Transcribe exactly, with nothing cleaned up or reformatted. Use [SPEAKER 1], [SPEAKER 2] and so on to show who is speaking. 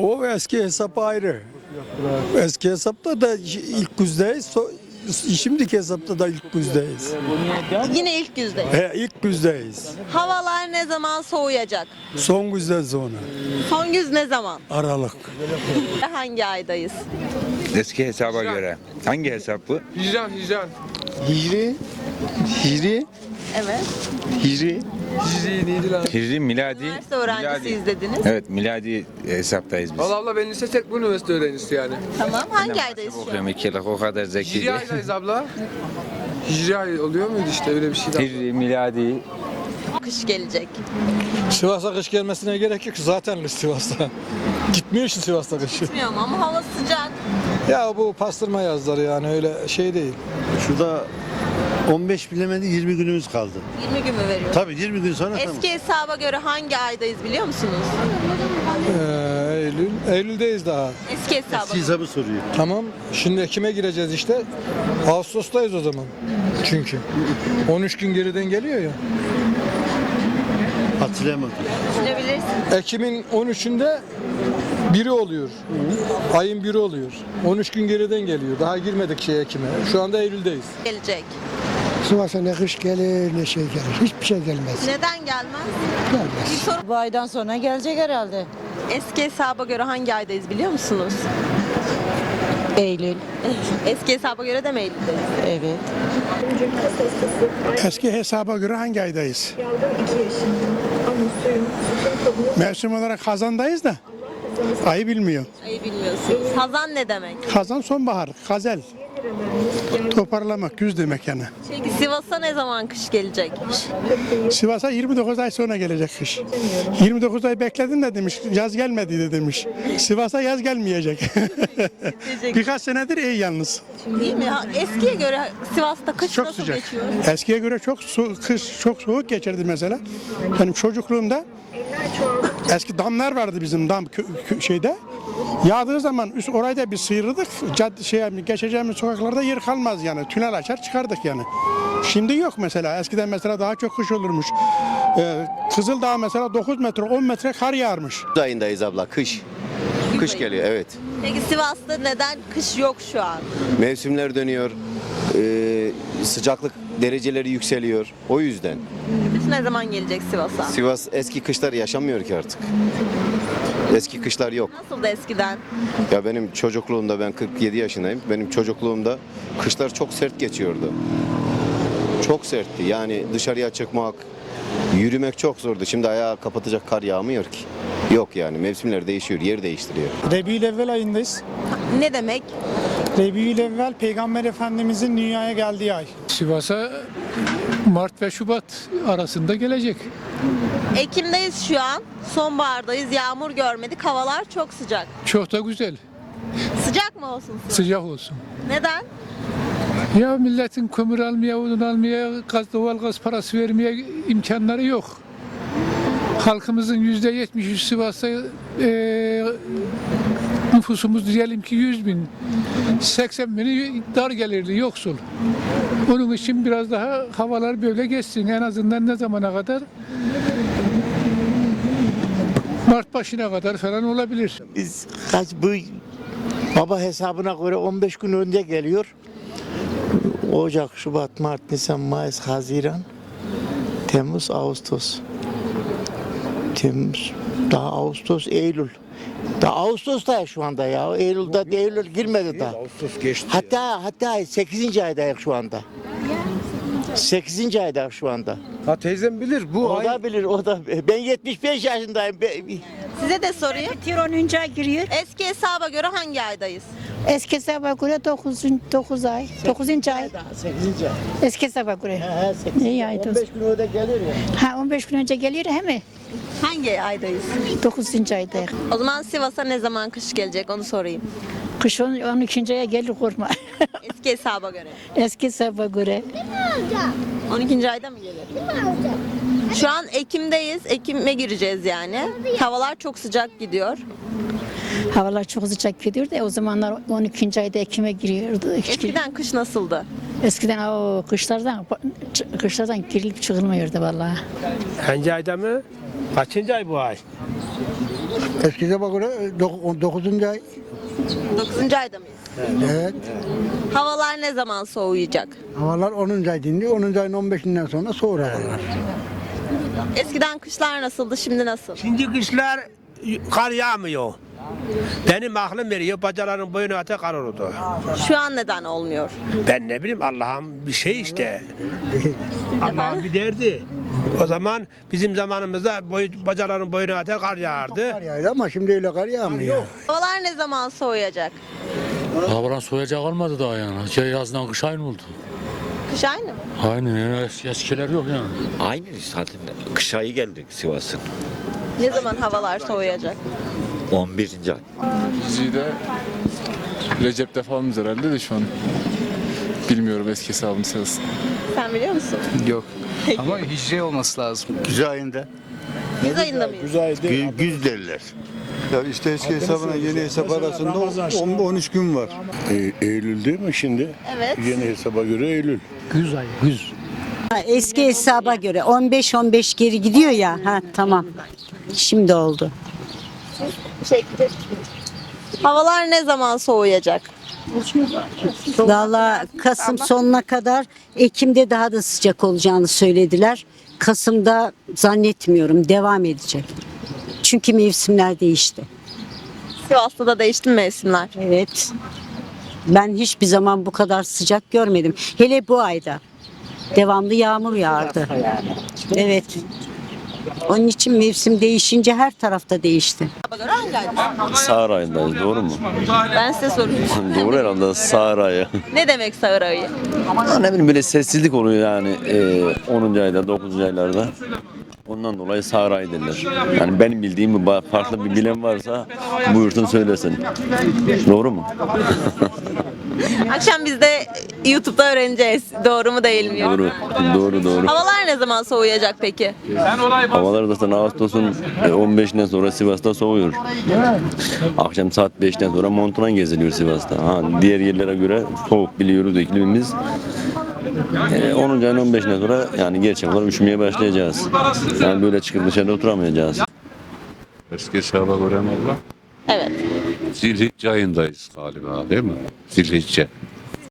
[SPEAKER 1] o eski hesap ayrı. Eski hesapta da ilk yüzdeyiz. So, şimdiki hesapta da ilk yüzdeyiz.
[SPEAKER 2] Yine ilk yüzde.
[SPEAKER 1] He, ilk yüzdeyiz.
[SPEAKER 2] Havalar ne zaman soğuyacak?
[SPEAKER 1] Son yüzden sonra.
[SPEAKER 2] Son yüz ne zaman?
[SPEAKER 1] Aralık.
[SPEAKER 2] Hangi aydayız?
[SPEAKER 3] Eski hesaba göre. Hangi hesap bu?
[SPEAKER 4] Hicran, hicran.
[SPEAKER 5] Hicri, Hicri,
[SPEAKER 2] Evet.
[SPEAKER 5] Hicri.
[SPEAKER 4] Hicri neydi lan?
[SPEAKER 3] Hicri miladi.
[SPEAKER 2] Üniversite öğrencisiyiz
[SPEAKER 3] miladi.
[SPEAKER 2] dediniz.
[SPEAKER 3] Evet, miladi hesaptayız biz.
[SPEAKER 4] Valla abla ben lise tek bu üniversite öğrencisi yani.
[SPEAKER 2] Tamam. Hangi aydayız şu an?
[SPEAKER 3] Okuyorum iki yıllık, o kadar zeki
[SPEAKER 4] Hicri
[SPEAKER 3] değil.
[SPEAKER 4] aydayız abla. Hicri ay oluyor muydu işte öyle bir şeydi.
[SPEAKER 3] Hicri miladi.
[SPEAKER 2] Kış gelecek.
[SPEAKER 6] Sivas'a kış gelmesine gerek yok. Zaten kış Sivas'ta. Gitmiyor ki Sivas'ta kış.
[SPEAKER 2] Bilmiyorum ama hava sıcak.
[SPEAKER 6] Ya bu pastırma yazları yani öyle şey değil.
[SPEAKER 5] Şurada on beş bilemedi yirmi günümüz kaldı.
[SPEAKER 2] yirmi gün mü veriyor?
[SPEAKER 5] Tabii yirmi gün sonra tamam.
[SPEAKER 2] Eski hesaba göre hangi aydayız biliyor musunuz?
[SPEAKER 6] Ee, Eylül. Eylül'deyiz daha.
[SPEAKER 2] Eski hesaba
[SPEAKER 5] Eski
[SPEAKER 2] göre.
[SPEAKER 5] hesabı soruyor.
[SPEAKER 6] Tamam. Şimdi Ekim'e gireceğiz işte. Ağustos'tayız o zaman. Çünkü. on üç gün geriden geliyor ya.
[SPEAKER 5] Hatırlayamadım.
[SPEAKER 2] Düşünebilirsin.
[SPEAKER 6] Ekim'in on üçünde biri oluyor. Ayın biri oluyor. on üç gün geriden geliyor. Daha girmedik şey Ekim'e. Şu anda Eylül'deyiz.
[SPEAKER 2] Gelecek.
[SPEAKER 7] Sivas'a ne kış gelir ne şey gelir. Hiçbir şey gelmez.
[SPEAKER 2] Neden gelmez?
[SPEAKER 7] Gelmez.
[SPEAKER 2] Bir soru.
[SPEAKER 8] Bu aydan sonra gelecek herhalde.
[SPEAKER 2] Eski hesaba göre hangi aydayız biliyor musunuz?
[SPEAKER 8] Eylül.
[SPEAKER 2] Eski hesaba göre de mi Eylül'deyiz?
[SPEAKER 8] Evet.
[SPEAKER 7] Eski hesaba göre hangi aydayız? Mevsim olarak Hazan'dayız da ayı bilmiyor.
[SPEAKER 2] Ayı bilmiyorsunuz. Hazan ne demek?
[SPEAKER 7] Hazan sonbahar, gazel. Toparlamak, güz demek yani.
[SPEAKER 2] Peki Sivas'a ne zaman kış gelecek?
[SPEAKER 7] Sivas'a yirmi dokuz ay sonra gelecek kış. yirmi dokuz ay bekledin de demiş, yaz gelmedi de demiş. Sivas'a yaz gelmeyecek. Birkaç senedir iyi yalnız.
[SPEAKER 2] Değil mi? Ha, eskiye göre Sivas'ta kış
[SPEAKER 7] Çok
[SPEAKER 2] nasıl
[SPEAKER 7] sıcak.
[SPEAKER 2] geçiyor?
[SPEAKER 7] Eskiye göre çok su, kış çok soğuk geçerdi mesela. Benim çocukluğumda eski damlar vardı bizim dam kö, kö- şeyde. Yağdığı zaman üst orayı da bir sıyırırdık. Cadde şey geçeceğimiz sokaklarda yer kalmaz yani. Tünel açar çıkardık yani. Şimdi yok mesela. Eskiden mesela daha çok kış olurmuş. Ee, Kızıldağ mesela dokuz metre on metre kar yağarmış.
[SPEAKER 9] Kış ayındayız abla, kış. Kış
[SPEAKER 2] ayı.
[SPEAKER 9] geliyor, evet.
[SPEAKER 2] Peki Sivas'ta neden kış yok şu an?
[SPEAKER 9] Mevsimler dönüyor, ee, sıcaklık dereceleri yükseliyor. O yüzden.
[SPEAKER 2] Kış ne zaman gelecek Sivas'a?
[SPEAKER 9] Sivas eski kışlar yaşamıyor ki artık. Eski kışlar yok.
[SPEAKER 2] Nasıldı eskiden?
[SPEAKER 9] Ya benim çocukluğumda, ben kırk yedi yaşındayım. Benim çocukluğumda kışlar çok sert geçiyordu. Çok sertti. Yani dışarıya çıkmak, yürümek çok zordu. Şimdi ayağı kapatacak kar yağmıyor ki. Yok yani, mevsimler değişiyor, yer değiştiriyor.
[SPEAKER 10] Rebiülevvel ayındayız.
[SPEAKER 2] Ne demek?
[SPEAKER 10] Rebiülevvel Peygamber Efendimizin dünyaya geldiği ay.
[SPEAKER 11] Sivas'a Mart ve Şubat arasında gelecek.
[SPEAKER 2] Ekim'deyiz şu an. Sonbahardayız. Yağmur görmedik. Havalar çok sıcak.
[SPEAKER 11] Çok da güzel.
[SPEAKER 2] Sıcak mı olsun? Sivas?
[SPEAKER 11] Sıcak olsun.
[SPEAKER 2] Neden?
[SPEAKER 11] Ya milletin kömür almaya, odun almaya, gaz, doğal gaz parası vermeye imkanları yok. Halkımızın yüzde yetmişi Sivas'ta e, nüfusumuz diyelim ki yüz bin. seksen bini dar gelirli, yoksul. Onun için biraz daha havalar böyle geçsin. En azından ne zamana kadar? Mart başına kadar falan olabilir.
[SPEAKER 5] Biz kaç bu baba hesabına göre on beş gün önce geliyor. Ocak, Şubat, Mart, Nisan, Mayıs, Haziran, Temmuz, Ağustos. Temmuz, daha Ağustos, Eylül. Daha Ağustos'ta şu anda ya. Eylül'de Eylül girmedi daha.
[SPEAKER 6] Ağustos geçti.
[SPEAKER 5] Hatta hatta sekizinci aydayız şu anda. sekizinci aydayız şu anda.
[SPEAKER 6] Ha teyzem bilir bu
[SPEAKER 5] O
[SPEAKER 6] ay.
[SPEAKER 5] da bilir, o da. Ben yetmiş beş yaşındayım. Ben-
[SPEAKER 2] Size de sorayım.
[SPEAKER 8] onuncu ay giriyor.
[SPEAKER 2] Eski hesaba göre hangi aydayız?
[SPEAKER 8] Eski hesaba göre dokuz ay. dokuzuncu ay.
[SPEAKER 5] sekizinci ay.
[SPEAKER 8] Eski hesaba göre.
[SPEAKER 5] He, sekizinci
[SPEAKER 8] İyi
[SPEAKER 5] ay.
[SPEAKER 8] aydı.
[SPEAKER 5] on beş gün öde gelir ya.
[SPEAKER 8] Ha on beş gün önce geliyor he mi?
[SPEAKER 2] Hangi aydayız?
[SPEAKER 8] dokuzuncu ayda.
[SPEAKER 2] O zaman Sivas'a ne zaman kış gelecek onu sorayım.
[SPEAKER 8] Kış on ikinci aya gelir korkma.
[SPEAKER 2] Eski hesaba göre.
[SPEAKER 8] Eski hesaba göre.
[SPEAKER 2] on ikinci ayda mı gelir? Şu an Ekim'deyiz. Ekim'e gireceğiz yani. Havalar çok sıcak gidiyor.
[SPEAKER 8] Havalar çok sıcak gidiyor da o zamanlar on ikinci ayda Ekim'e giriyordu.
[SPEAKER 2] Eskiden kış nasıldı?
[SPEAKER 8] Eskiden o kışlardan kışlardan girilip çıkılmıyordu vallahi.
[SPEAKER 6] Hangi ayda mı? Kaçıncı ay bu ay?
[SPEAKER 12] Eski hesaba göre dokuzuncu ay.
[SPEAKER 2] dokuzuncu ayda mıyız?
[SPEAKER 12] Evet.
[SPEAKER 2] Havalar ne zaman soğuyacak?
[SPEAKER 12] Havalar onuncu ay dindi. onuncu ayın on beşinden sonra soğur havalar.
[SPEAKER 2] Eskiden kışlar nasıldı, şimdi nasıl?
[SPEAKER 13] Şimdi kışlar kar yağmıyor. Benim aklım veriyor, bacaların boyunu ata kar oldu.
[SPEAKER 2] Şu an neden olmuyor?
[SPEAKER 13] Ben ne bileyim, Allah'ın bir şey işte. Allah'ın bir derdi. O zaman bizim zamanımızda boy, bacaların boyunu ata kar yağardı.
[SPEAKER 12] Kar yağdı ama şimdi öyle kar yağmıyor.
[SPEAKER 2] Havalar ne zaman soğuyacak?
[SPEAKER 14] Havadan soğuyacak olmadı daha yani. Şey, yazdan kış aynı oldu.
[SPEAKER 2] Kış aynı mı?
[SPEAKER 14] Aynen yani es- eskiler yok yani.
[SPEAKER 15] Aynı zaten. Kış ayı geldik Sivas'ın.
[SPEAKER 2] Ne zaman havalar soğuyacak?
[SPEAKER 15] on birinci ay.
[SPEAKER 4] Hicri'de Recep'te falanız herhalde de şu an. Bilmiyorum eski hesabını sırasında.
[SPEAKER 2] Sen biliyor musun?
[SPEAKER 4] Yok. Ama hicri olması lazım.
[SPEAKER 5] Güz ayında.
[SPEAKER 2] Biz ayında mıyız?
[SPEAKER 5] Güz, güz derler.
[SPEAKER 1] Ya işte eski hesabına yeni hesap arasında on üç gün var.
[SPEAKER 6] Eylül değil mi şimdi?
[SPEAKER 2] Evet.
[SPEAKER 6] Yeni hesaba göre Eylül.
[SPEAKER 14] Güz ay, güz.
[SPEAKER 8] Eski hesaba göre on beş on beş geri gidiyor ya. Ha tamam. Şimdi oldu.
[SPEAKER 2] Çekti. Havalar ne zaman soğuyacak?
[SPEAKER 8] Valla Kasım sonuna kadar, Ekim'de daha da sıcak olacağını söylediler. Kasım'da zannetmiyorum, devam edecek. Çünkü mevsimler değişti.
[SPEAKER 2] Sivas'ta da değişti mi mevsimler?
[SPEAKER 8] Evet. Ben hiçbir zaman bu kadar sıcak görmedim. Hele bu ayda. Devamlı yağmur yağardı. Evet. Onun için mevsim değişince her tarafta değişti.
[SPEAKER 2] Göre hangi ayda?
[SPEAKER 15] Sağır ayındayız, doğru mu?
[SPEAKER 2] Ben size soruyorum.
[SPEAKER 15] Doğru herhalde, sağır ayı.
[SPEAKER 2] Ne demek sağır ayı?
[SPEAKER 15] Ama ne bileyim, böyle sessizlik oluyor yani e, onuncu ayda, dokuzuncu aylarda. Ondan dolayı sağır ayı derler. Yani benim bildiğim bir ba- farklı bir bilen varsa buyursun söylesin. Doğru mu?
[SPEAKER 2] Akşam biz de YouTube'da öğreneceğiz. Doğru mu değil mi?
[SPEAKER 15] Doğru, doğru, doğru.
[SPEAKER 2] Havalar ne zaman soğuyacak peki?
[SPEAKER 15] Havalar zaten Ağustos'un on beşinden sonra Sivas'ta soğuyor. Akşam saat beşten sonra montuna geziliyor Sivas'ta. Ha, diğer yerlere göre soğuk biliyoruz iklimimiz. E, onuncu ayın on beşinden sonra yani gerçek olarak üşümeye başlayacağız. Yani böyle çıkıp dışarıda oturamayacağız.
[SPEAKER 6] Eski hesaba göre mi abla?
[SPEAKER 2] Evet.
[SPEAKER 6] Zilhicce ayındayız galiba değil mi? Zilhicce.